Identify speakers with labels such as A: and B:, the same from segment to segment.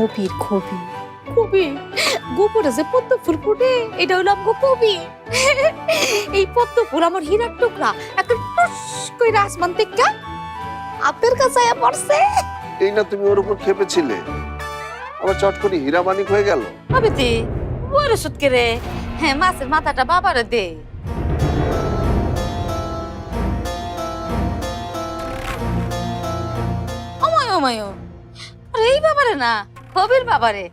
A: কবির কবি কবি গোপরে যে পদ্ম ফুল ফুটে এটা হলো আমগো কবি। এই পদ্ম ফুল আমার হীরার টুকরা একটা টুস কইরা আসমান থেকে আপনার কাছে আয়া পড়ছে।
B: এই না তুমি ওর উপর খেপেছিলে, আবার চট করে হীরা মানিক হয়ে গেল।
A: হবে তে বড় সুটকে রে। হ্যাঁ, মাছের মাথাটা বাবারে দে। অময় অময় আরে এই বাবারে না, কবির বাবারে।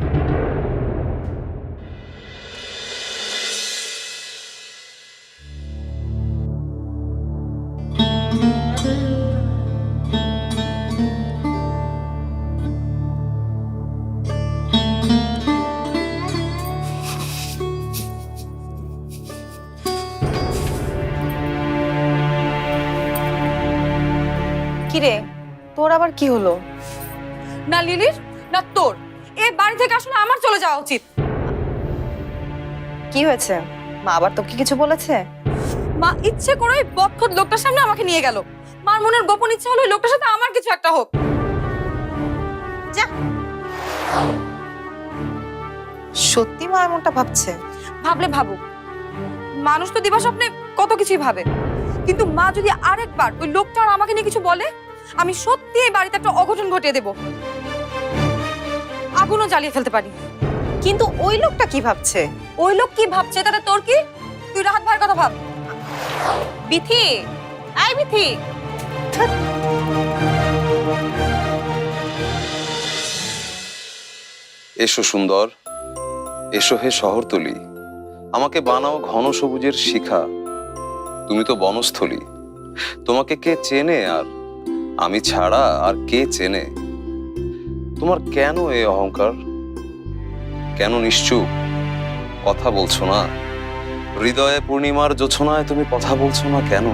C: কিরে, তোর আবার কি হলো?
D: না লিলির না তোর, এই বাড়ি থেকে আসলে আমার চলে যাওয়া উচিত।
C: কি হয়েছে? মা আবার তোকে কিছু বলেছে?
D: মা ইচ্ছে করে ওই বদখত লোকটার সামনে আমাকে নিয়ে গেল। মার মনের গোপন ইচ্ছা হলো ওই লোকটার সাথে আমার কিছু একটা হোক।
C: যা। সত্যি মা এমনটা ভাবছে?
D: ভাবলে ভাবুক, মানুষ তো দিবা স্বপ্নে কত কিছুই ভাবে, কিন্তু মা যদি আরেকবার ওই লোকটা আর আমাকে নিয়ে কিছু বলে, আমি সত্যি এই বাড়িতে একটা অঘটন ঘটিয়ে দেব, আগুনও জ্বালিয়ে ফেলতে পারি।
C: কিন্তু ওই লোকটা কি ভাবছে?
D: ওই লোক কি ভাবছে তাতে তোর কি? তুই রাহাত ভাইয়ের কথা ভাব।
C: বিথি, আই বিথি।
E: এসো সুন্দর, এসো হে শহরতলি, আমাকে বানাও ঘন সবুজের শিখা। তুমি তো বনস্থলী, তোমাকে কে চেনে আর আমি ছাড়া আর কে চেনে? তোমার কেন এই অহংকার? কেন নিশ্চুপ? কথা বলছো না? হৃদয়ে পূর্ণিমার জোছনায় তুমি কথা বলছো না কেন?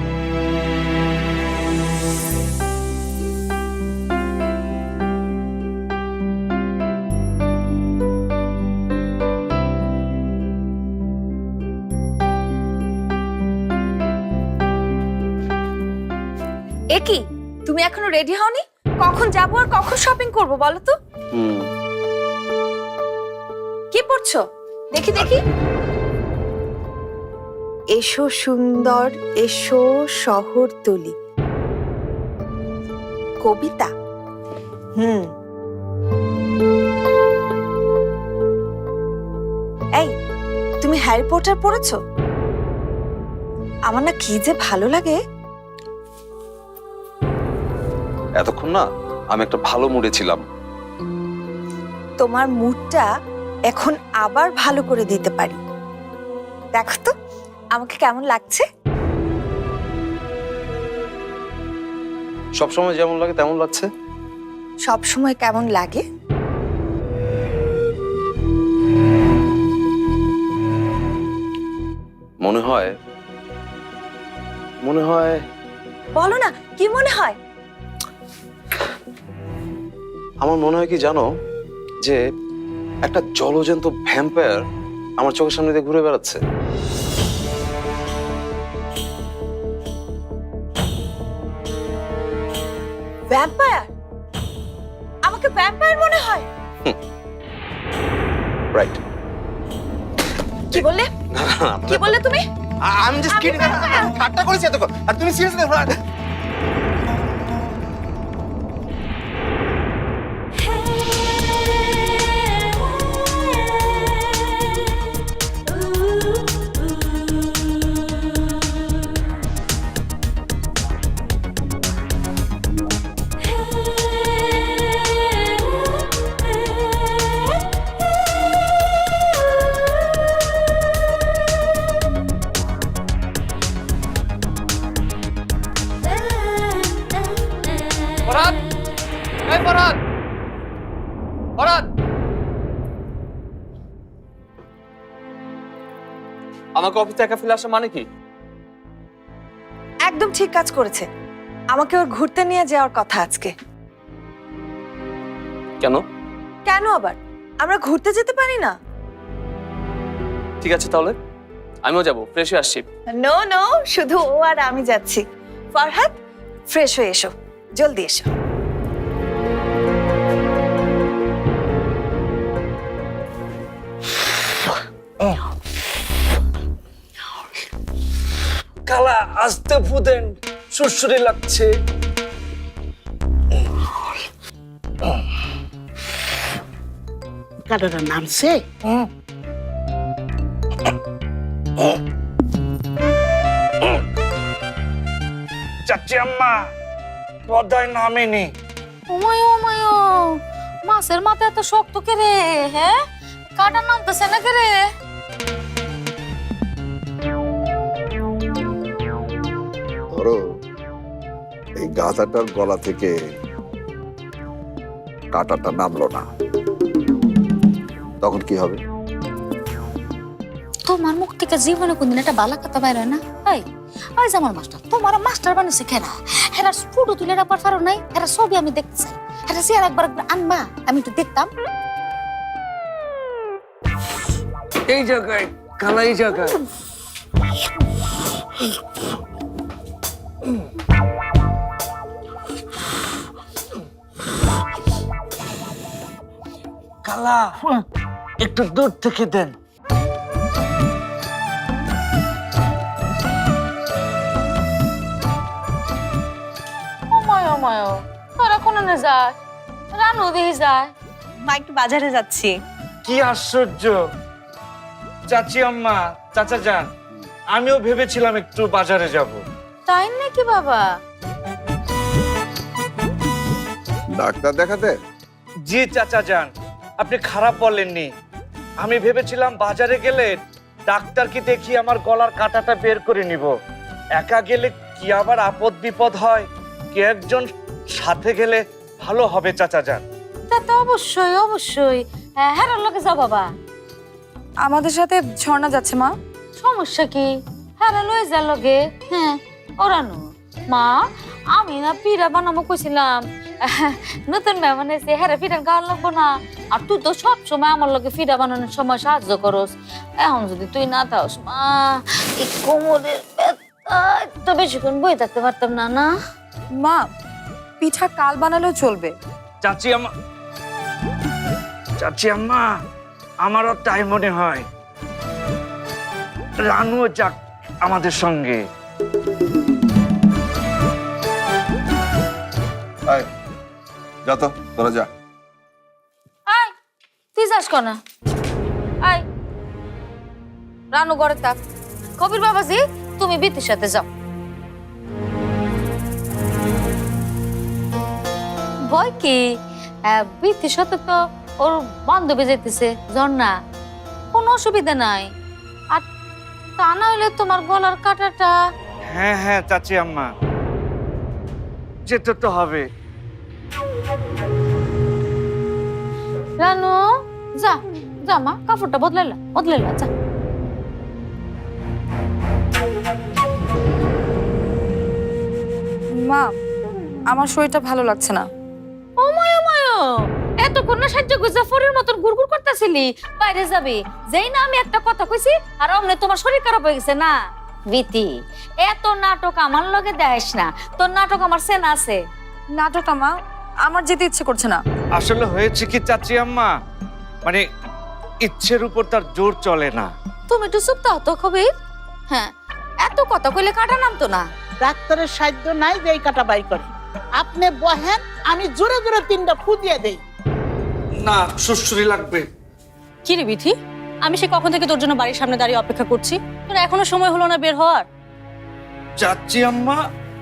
A: এ কি, তুমি এখনো রেডি হওনি? কখন যাবো আর কখন শপিং করবো বলো তো? কি পড়ছো? দেখি দেখি।
F: এসো সুন্দর, এসো শহরতলি, কবিতা। এই, তুমি হ্যারি পটার পড়েছো? আমার না কি যে ভালো লাগে।
E: এতক্ষণ না আমি একটা ভালো মুডে ছিলাম।
F: তোমার মুডটা এখন আবার ভালো করে দিতে পারি। দেখো তো আমাকে কেমন লাগছে।
E: সবসময় যেমন লাগে তেমন লাগছে।
F: সব সময় কেমন লাগে?
E: মনে হয়
F: বলো না, কি মনে হয়?
E: আমার মনে হয় কি জানো, যে একটা জলজন্ত ভ্যাম্পায়ার আমার চোখের সামনে দিয়ে ঘুরে বেড়াচ্ছে।
F: ভ্যাম্পায়ার? আমাকে ভ্যাম্পায়ার মনে হয়?
E: রাইট।
F: কি বললে? কি বললে তুমি?
G: আমি জাস্ট কিডিং, ঠাট্টা করেছি এতক্ষণ, আর তুমি সিরিয়াসলি দেখো।
H: ফরহাদ, এই ফরহাদ, ফরহাদ, আমাকে অফিসে একা ফেলে আসা মানে কি?
F: একদম ঠিক কাজ করেছে। আমাকে ওর ঘুরতে নিয়ে যাওয়ার কথা আজকে।
H: কেন?
F: কেন আবার? আমরা ঘুরতে যেতে পারি না?
H: ঠিক আছে তাহলে আমিও যাবো, ফ্রেশ হয়ে আসছি।
F: নো নো, শুধু ও আর আমি যাচ্ছি। ফরহাদ, ফ্রেশ হয়ে এসো, জলদি এসো।
I: খালা আস্তে ফুদেন, সুরসুরি লাগছে।
J: কারোর নামছে?
I: চাচি আম্মা পদায় নামেনি।
A: ওমায় ওমায়, মাছের মাথা এত শক্ত কে রে? হ্যাঁ, কাটা নামতেছে না কে রে?
B: ধরো এই গাধাটার গলা থেকে কাঁটাটা নামলো না, তখন কি হবে?
A: তোমার মুখ থেকে জীবনে কোনদিন একটা বালা কথা বাইর হয় না? এই ওই যে আমার মাস্টার, তোমার মাস্টার বানিয়েছে কেনা? হেরা ফটো তুলে রাখবার পারো নাই? হেরা ছবি আমি দেখতে চাই, হেরা চেয়ার একবার আনবা, আমি একটু দেখতাম।
I: এই জায়গায় খালা, এই জায়গায়। খালা একটু দূর থেকে দেন।
A: ওমায় ওমায়, তোরা কোন যায়? রানু দিয়ে যায়।
C: মা একটু বাজারে যাচ্ছি।
I: কি আশ্চর্য! চাচি আম্মা, চাচা যান, আমিও ভেবেছিলাম একটু বাজারে যাব।
A: তাই নাকি বাবা?
B: ডাক্তার দেখাতে?
I: জি চাচা যান, আপনি খারাপ বলেননি। আমি ভেবেছিলাম বাজারে গেলে ডাক্তারকে দেখিয়ে আমার গলার কাঁটাটা বের করে নিব। একা গেলে কি আবার আপদ বিপদ হয়, কে একজন সাথে গেলে ভালো হবে চাচা যান।
A: তা তো অবশ্যই অবশ্যই, হ্যাঁ লোকে যাও বাবা।
D: আমাদের সাথে ঝর্ণা যাচ্ছে মা।
A: সমস্যা কি? হ্যাঁ লয়ে যা লগে। হ্যাঁ ওরানো মা, আমি না পিঠা বানাবো কইছিলাম, নতুন মেহমান এসে হ্যাঁ পিঠা খাওয়া লাগবো না? আর তুই তো সব সময় আমার লগে পিঠা বানানোর সময় সাহায্য করস, এখন যদি তুই না থাকস মা, এই কোমরের ব্যথা তো বেশিক্ষণ বই থাকতে পারতাম না। না
D: মা, পিঠা কাল বানালেও চলবে।
I: চাচি আম্মা, চাচি আম্মা, আমারও তাই মনে হয়। রানুও যাক আমাদের সঙ্গে।
B: যা তো, তোরা যা।
A: আয়, তুই যাস কেন? আয়, রানু ঘরে থাক। কবির বাবাজি, তুমি বিতির সাথে যাও। ভয় কি? বিতির সাথে তো ওর বান্ধবী যেতেছে ঝর্ণা, কোনো অসুবিধা নাই। আর তা না হলে তোমার গলার কাঁটাটা।
I: হ্যাঁ হ্যাঁ চাচি আম্মা, যেতে তো হবে।
A: রানু যা, যা মা, কাপড়টা বদলাইলা যা।
D: মা, আমার শরীরটা ভালো লাগছে না।
A: ওময় এতক্ষণ না সাহায্য করছে, ফরের মতন গুড়গুড় করতেছিলি, বাইরে যাবি। যেই না আমি একটা কথা কইছি আর অমনে তোমার শরীর খারাপ হয়ে গেছে না? বিতি, এত নাটক আমার লগে দেখাইস না, তোর নাটক আমার চেনা আছে।
D: নাটক মা, আমার যেতে ইচ্ছে করছে না।
I: আসলে হয়েছে কি চাচি আম্মা, মানে ইচ্ছের উপর তার জোর চলে না।
A: তুমি একটু চুপ থাও তো কবির। হ্যাঁ, এত কথা কইলে কাটা নামতো না।
J: ডাক্তারের সাহায্য নাই যে এই কাটা বাই করে। আপনি বহেন, আমি জোরে জোরে 3টা ফু দিয়ে দেই।
I: না, সুরসুরি লাগবে।
K: কি রে বিথি, আমি সে কখন থেকে তোর জন্য বাড়ির সামনে দাঁড়িয়ে অপেক্ষা করছি, তোর এখনো সময় হলো না বের হওয়ার?
I: চাচি আম্মা,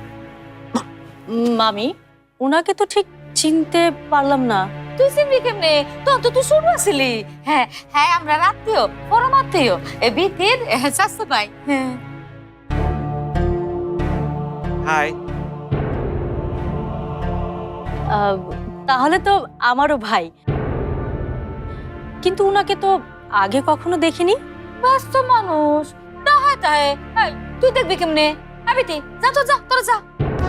K: মামি, ওনাকে তো ঠিক চিনতে পারলাম না।
A: তুই চিনবি কেমনে? তখন তো তুই শুরু আসিলি। হ্যাঁ হ্যাঁ, আমরা রাত্রিও পরম আত্মীয়, এ বিতির চাচতো ভাই। হ্যাঁ,
I: হাই।
K: তাহলে তো আমারও ভাই, কিন্তু উনাকে তো আগে কখনো দেখিনি।
A: ব্যস্ত মানুষ, তাহায় তাহে। এই, তুই দেখবি কেমনে? আবিতি যা তো, যা তোরা যা।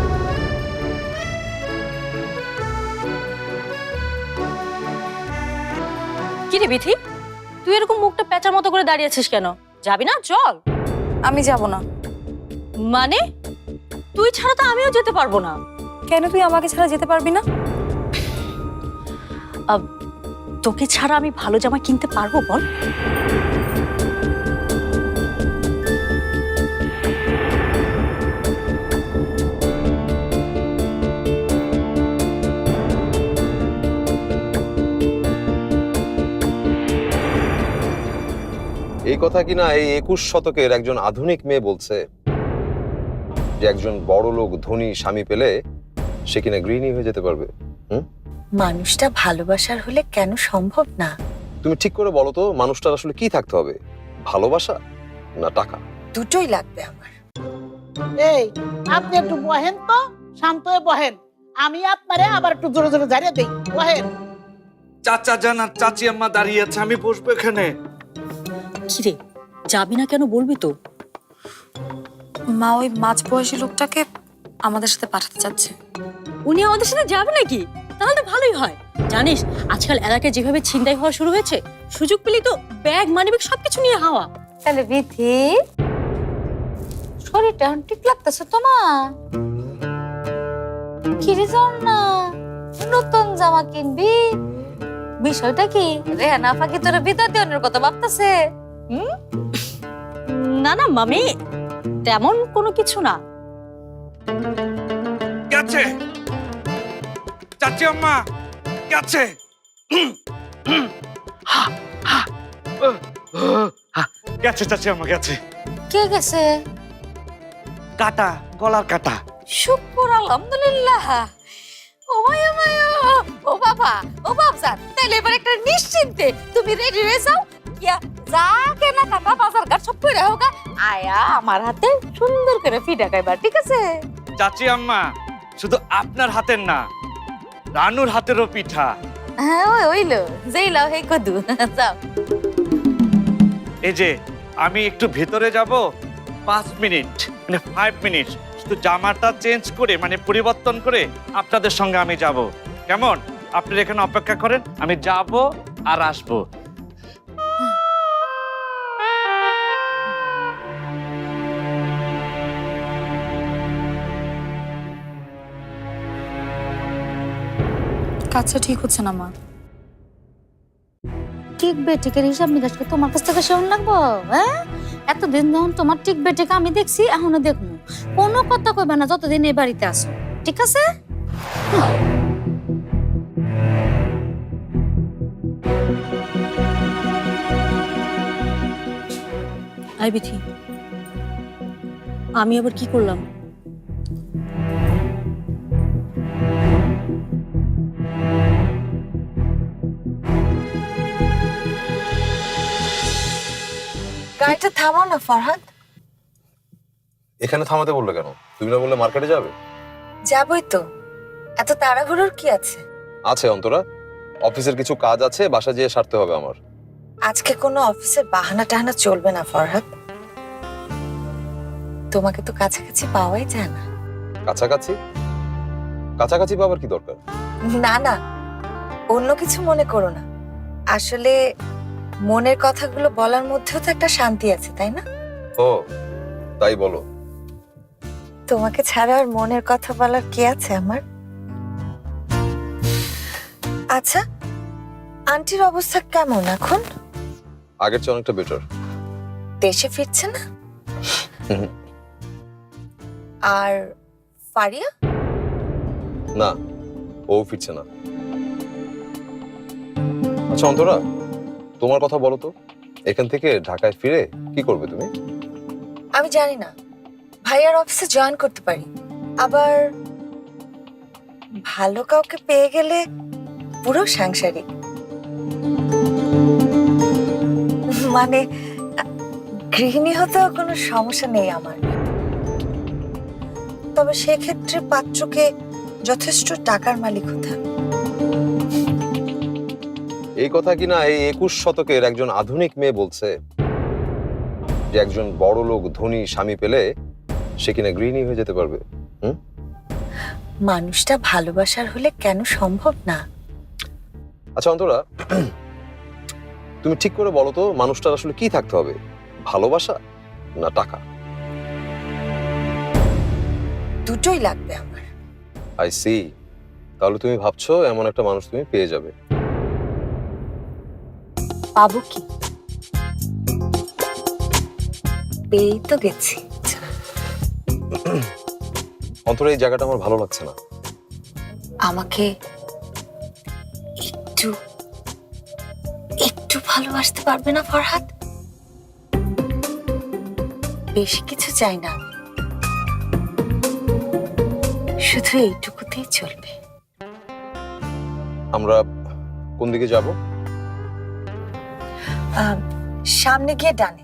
K: কি রে বিথি, তুই এরকম মুখটা পেঁচার মতো করে দাঁড়িয়ে আছিস কেন? যাবি না? চল।
D: আমি যাব না।
K: মানে তুই ছাড়া তো আমিও যেতে পারবো না।
D: কেন তুই আমাকে ছাড়া যেতে পারবি না?
K: তোকে ছাড়া আমি ভালো জামা কিনতে পারবো বল?
E: এই কথা কিনা এই 21 শতকের একজন আধুনিক মেয়ে বলছে যে একজন বড় লোক ধনী স্বামী পেলে সে কিনা গৃহিণী হয়ে যেতে পারবে।
F: মানুষটা ভালোবাসার হলে কেন সম্ভব না?
E: তুমি ঠিক করে বলো তো, মানুষটার আসলে কি থাকতে হবে, ভালোবাসা না টাকা?
F: দুটোই লাগবে আমার।
J: এই, আপনি একটু বহেন তো, শান্ত হয়ে বহেন। আমি আপনারে আবার একটু জোরে জোরে ঝাড়িয়ে দেই। বহেন।
I: চাচা জান আর চাচি আম্মা দাঁড়িয়ে আছে, আমি বসবো এখানে।
K: কিরে, যাবি না কেন, বলবি তো?
D: মা ওই মাঝ বয়সী লোকটাকে আমাদের সাথে পাঠাতে চাচ্ছে।
K: উনি আমাদের সাথে যাবে নাকি? তাহলে তো ভালোই হয়। জানিস আজকাল এলাকায় যেভাবে ছিনতাই হওয়া শুরু হয়েছে, সুযোগ পেলেই তো ব্যাগ মানিব্যাগ সবকিছু নিয়ে হাওয়া।
A: তাহলে বিথি, শরীরটা এখন ঠিক লাগতেছে তোমার? কিরে যাও না, নতুন জামা কিনবি? বিষয়টা কি? রেহানা আপা কি তোর বিদায় দেওয়ার কথা ভাবতেছে?
K: না না মামি, তেমন কোনো কিছু না।
I: গেছে চাচি আম্মা, গেছে। গেছে চাচি আম্মা, গেছে।
A: কে গেছে?
I: কাটা, গলার কাটা।
A: শুকর আলহামদুলিল্লাহ। ও মায়া মায়া, ও বাবা, ও বাবজান, তাইলে এবার একটা নিশ্চিন্তে তুমি রেডি হয়ে যাও। ইয়া, যা কেনা কাটা বাজার ঘাট সব করে হোগা, আয়া আমার হাতে সুন্দর করে ফিডা খাইবা, ঠিক আছে?
I: চাচি আম্মা, শুধু আপনার হাতের না, রানুর হাতেরও পিঠা।
A: হ্যাঁ, ওই হইলো, যেই লাও হে কদু। যাও।
I: এই যে আমি একটু ভেতরে যাব 5 মিনিট, মানে 5 মিনিট, শুধু জামাটা চেঞ্জ করে, মানে পরিবর্তন করে আপনাদের সঙ্গে আমি যাব। কেমন? আপনারা এখানে অপেক্ষা করেন, আমি যাব আর আসবো।
D: কাজটা ঠিক হচ্ছে না মা।
A: ঠিক বেটিকের হিসাব নিকাশকে তোমার কাছ থেকে শোন লাগবো? হ্যাঁ, এতদিন যখন তোমার ঠিক বেটিকে আমি দেখছি, এখনো দেখবো। কোনো কথা কইবে না যতদিন এই বাড়িতে আসো, ঠিক আছে?
K: আই বিথি, আমি আবার কি করলাম?
F: গাড়িটা থামাও না ফরহাদ।
E: এখানে থামাতে বললে কেন? তুমি না বললে মার্কেটে যাবে?
F: যাবই তো, এত তাড়াহুড়োর কি আছে?
E: আছে অন্তরা, অফিসের কিছু কাজ আছে, বাসা যেয়ে সারতে হবে আমার।
F: আজকে কোনো অফিসের বাহানা টাহানা চলবে না ফরহাদ। তোমাকে তো কাছাকাছি পাওয়াই যায় না।
E: কাছাকাছি? কাছাকাছি পাবার কি দরকার?
F: না না, অন্য কিছু মনে করো না। আসলে মনের কথাগুলো বলার মধ্যেও তো একটা শান্তি আছে, তাই না?
E: ও তাই বলো।
F: তোমাকে ছাড়া আর মনের কথা বলার কে আছে আমার? আচ্ছা, আন্টির অবস্থা কেমন এখন?
E: আগের চেয়ে অনেকটা বেটার।
F: দেশে ফিরছে না? আর ফারিয়া?
E: না, ও ফিরছে না। আচ্ছা অন্তরা, তোমার কথা বলো তো, এখান থেকে ঢাকায় ফিরে কি করবে তুমি?
F: আমি জানি না, ভাইয়ার অফিসে জয়েন করতে পারি। আবার ভালো কাউকে পেয়ে গেলে পুরো সাংসারিক, মানে গৃহিণী হতেও কোনো সমস্যা নেই আমার। তবে সেক্ষেত্রে পাত্রকে যথেষ্ট টাকার মালিক হতে হবে।
E: এই কথা কিনা এই 21 শতকের একজন আধুনিক মেয়ে বলছে যে একজন বড় লোক ধনী স্বামী পেলে সে কিনা গৃহিণী হয়ে যেতে পারবে।
F: মানুষটা ভালোবাসার হলে কেন সম্ভব না?
E: আচ্ছা অন্তরা, তুমি ঠিক করে বলো তো, মানুষটার আসলে কি থাকতে হবে, ভালোবাসা না টাকা?
F: দুটোই লাগবে আমার।
E: I see. তাহলে তুমি ভাবছো এমন একটা মানুষ তুমি পেয়ে যাবে।
F: পাবো কি? পেয়েই তো গেছি।
E: অন্তরা, এই জায়গাটা আমার ভালো লাগছে না।
F: আমাকে একটু একটু ভালোবাসতে পারবে না ফরহাদ? বেশি কিছু চাই না, শুধু এইটুকুতেই চলবে।
E: আমরা কোন দিকে যাব?
F: সামনে গিয়ে ডানে।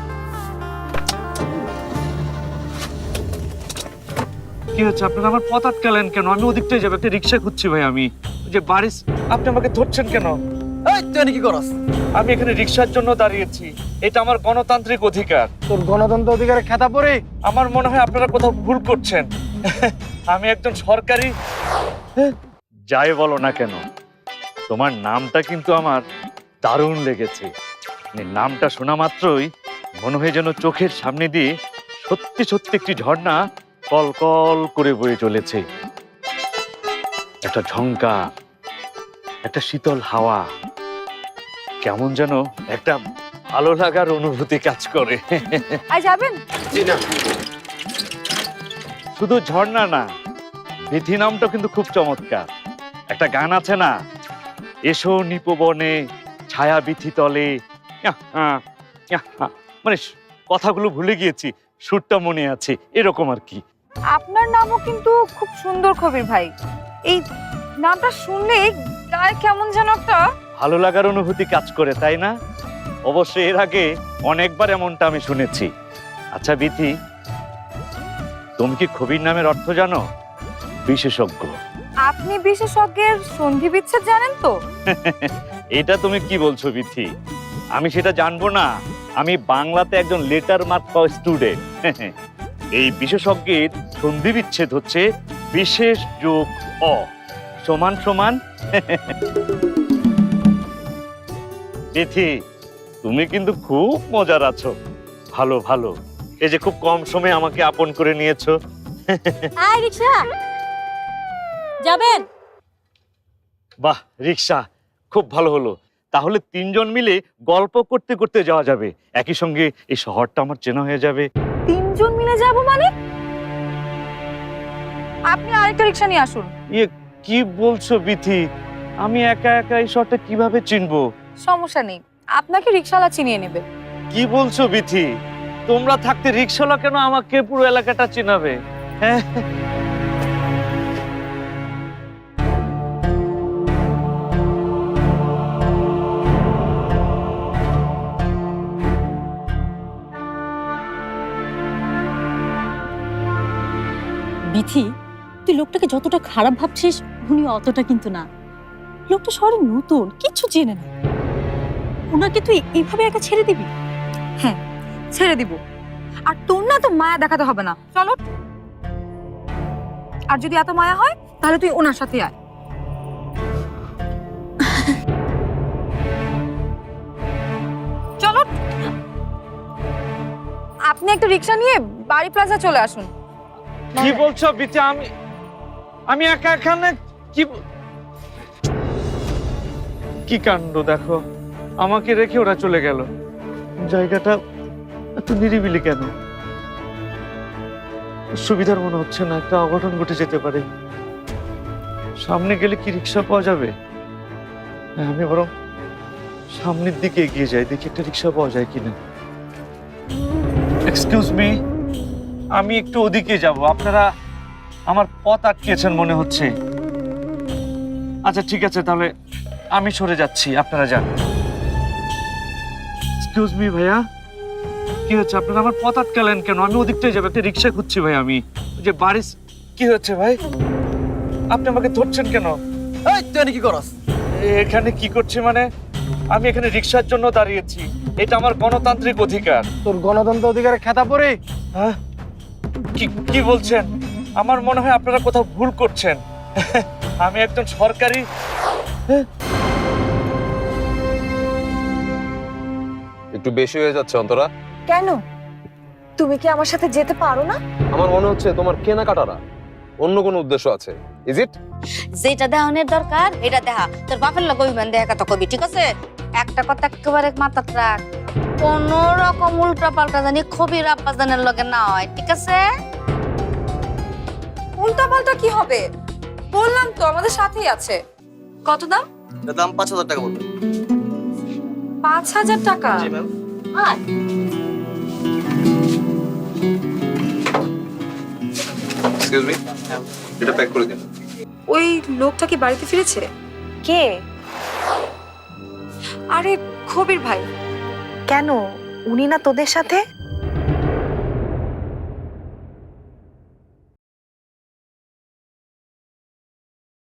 I: কি হচ্ছে আপনারা আমার পথ আটকালেন কেন? আমি ওদিকটাই যাবো, একটা রিক্সা খুঁজছি ভাই। আমি ওই যে বাড়ির, আপনি আমাকে ধরছেন কেন?
G: এই তুই কি করস?
I: আমি এখানে রিক্সার জন্য দাঁড়িয়েছি, এটা আমার গণতান্ত্রিক অধিকার।
G: তোর গণতন্ত্র অধিকারে খেতা পড়ে
I: আমার মনে হয় আপনারা কোথাও ভুল করছেন। আমি একজন সরকারি, যাই বলো না কেন, তোমার নামটা কিন্তু আমার দারুণ লেগেছে। মানে নামটা শোনা মাত্রই মনে হয় যেন চোখের সামনে দিয়ে সত্যি সত্যি একটি ঝর্ণা কল কল করে বয়ে চলেছে। একটা ঝঙ্কার, একটা শীতল হাওয়া, কেমন যেন একটা ভালো লাগার অনুভূতি কাজ করে।
D: আই যাবেন?
I: শুধু ঝর্ণা না, বিধি নামটা কিন্তু খুব চমৎকার। একটা গান আছে না, এসো নিপবনে ছায়া বিথি তলে, মানে কথাগুলো ভুলে গিয়েছি, সুরটা মনে আছে, এরকম আর কি।
D: আপনার নামও কিন্তু খুব সুন্দর কবির ভাই। এই নামটা শুনলেই গায়ে কেমন যেন একটা
I: ভালো লাগার অনুভূতি কাজ করে, তাই না? অবশ্যই এর আগে অনেকবার এমনটা আমি শুনেছি। আচ্ছা বিথি, তুমি কি কবির নামের অর্থ জানো? বিশেষজ্ঞ।
D: আপনি বিশেষজ্ঞের সন্ধি বিচ্ছেদ জানেন তো?
I: এটা তুমি কি বলছো বিথি? আমি সেটা জানবো না? আমি বাংলাতে একজন লেটার মার্ক পাওয়া স্টুডেন্ট। এই বিশেষজ্ঞের সন্ধি বিচ্ছেদ হচ্ছে বিশেষ যোগ অ সমান সমান। বিথি, তুমি কিন্তু খুব মজার আছো। ভালো ভালো, এই যে খুব কম সময়ে আমাকে আপন করে নিয়েছো।
K: আয় রিক্সা, যাবেন?
I: বাহ, রিক্সা খুব ভালো হলো। তাহলে তিনজন মিলে গল্প করতে করতে যাওয়া যাবে, একই সঙ্গে এই শহরটা আমার চেনা হয়ে যাবে।
D: তিনজন মিলে যাব মানে? আপনি আরেকটা রিক্সা নিয়ে আসুন।
I: ইয়ে কি বলছো বিথি? আমি একা একা এই শহরটা কিভাবে চিনবো?
D: সমস্যা নেই, আপনাকে রিক্সাওয়ালা চিনিয়ে নেবে।
I: কি বলছো বিথি? তোমরা থাকতে রিক্সাওয়ালা কেন আমাকে পুরো এলাকাটা চিনাবে? হ্যাঁ,
K: বিথি, তুই লোকটাকে যতটা খারাপ ভাবছিস উনি অতটা কিন্তু না। লোকটা শহরে নতুন, কিচ্ছু চেনে না। ওনাকে তুই এইভাবে একা ছেড়ে দিবি?
D: হ্যাঁ, ছেড়ে দিব। আর তোর না তো মায়া দেখাতে হবে না, চলো। আর যদি এত মায়া হয় তাহলে তুই ওনার সাথে আয়। চলো, আপনি একটা রিক্সা নিয়ে বাড়ি প্লাজা চলে আসুন।
I: কি বলছো বিথি? আমি একা এখানে কি কাণ্ড দেখো, আমাকে রেখে ওরা চলে গেল। জায়গাটা এত নিরিবিলি কেন? সুবিধার মনে হচ্ছে না, একটা অঘটন ঘটে যেতে পারে। সামনে গেলে কি রিক্সা পাওয়া যাবে? হ্যাঁ, আমি বরং সামনের দিকে এগিয়ে যাই, দেখি একটা রিক্সা পাওয়া যায় কিনা। এক্সকিউজ মি, আমি একটু ওদিকে যাব, আপনারা আমার পথ আটকিয়েছেন মনে হচ্ছে। আচ্ছা ঠিক আছে, তাহলে আমি সরে যাচ্ছি, আপনারা যান। এক্সকিউজ মি ভাইয়া, কি হচ্ছে? আপনারা আমার পথ আটকালেন কেন? আমি ওদিকটাই যাবো, একটা রিক্সা খুঁজছি ভাই। আমি ওই যে বাড়ির, কি হচ্ছে ভাই? আপনি আমাকে ধরছেন কেন?
G: এই তুই কি করস?
I: এখানে কি করছি মানে? আমি এখানে রিক্সার জন্য দাঁড়িয়েছি, এটা আমার গণতান্ত্রিক অধিকার।
G: তোর গণতন্ত্র অধিকারে খেতা পড়ে
I: হ্যাঁ, কি বলছেন? আমার মনে হয় আপনারা কোথাও ভুল করছেন। আমি একজন সরকারি,
E: একটু বেশি হয়ে যাচ্ছে অন্তরা।
F: কেন? তুমি কি আমার সাথে যেতে পারো না?
E: আমার মনে হচ্ছে তোমার কেনাকাটারা অন্য কোনো উদ্দেশ্য আছে। Is it?
A: যেটা দেহনের দরকার এটা দেখা। তোর বাপের লগে অভিমান দেখা কথা কবি, ঠিক আছে? একটা কথা একেবারে মাথাত রাখ, কোন রকম উল্টা পাল্টা জানি খবির আব্বাজানের লগে না হয়, ঠিক আছে?
D: উল্টা পাল্টা কি হবে? বললাম তো আমাদের সাথেই আছে। কত দাম?
G: দাম ৫,০০০ টাকা বলবে।
D: ৫,০০০ টাকা?
G: জি ম্যাম।
E: এক্সকিউজ মি, এটা প্যাক করে দিন।
D: ওই লোকটা কি বাড়িতে ফিরেছে?
C: কে?
D: আরে কবির ভাই।
C: কেন, উনি না তোদের সাথে?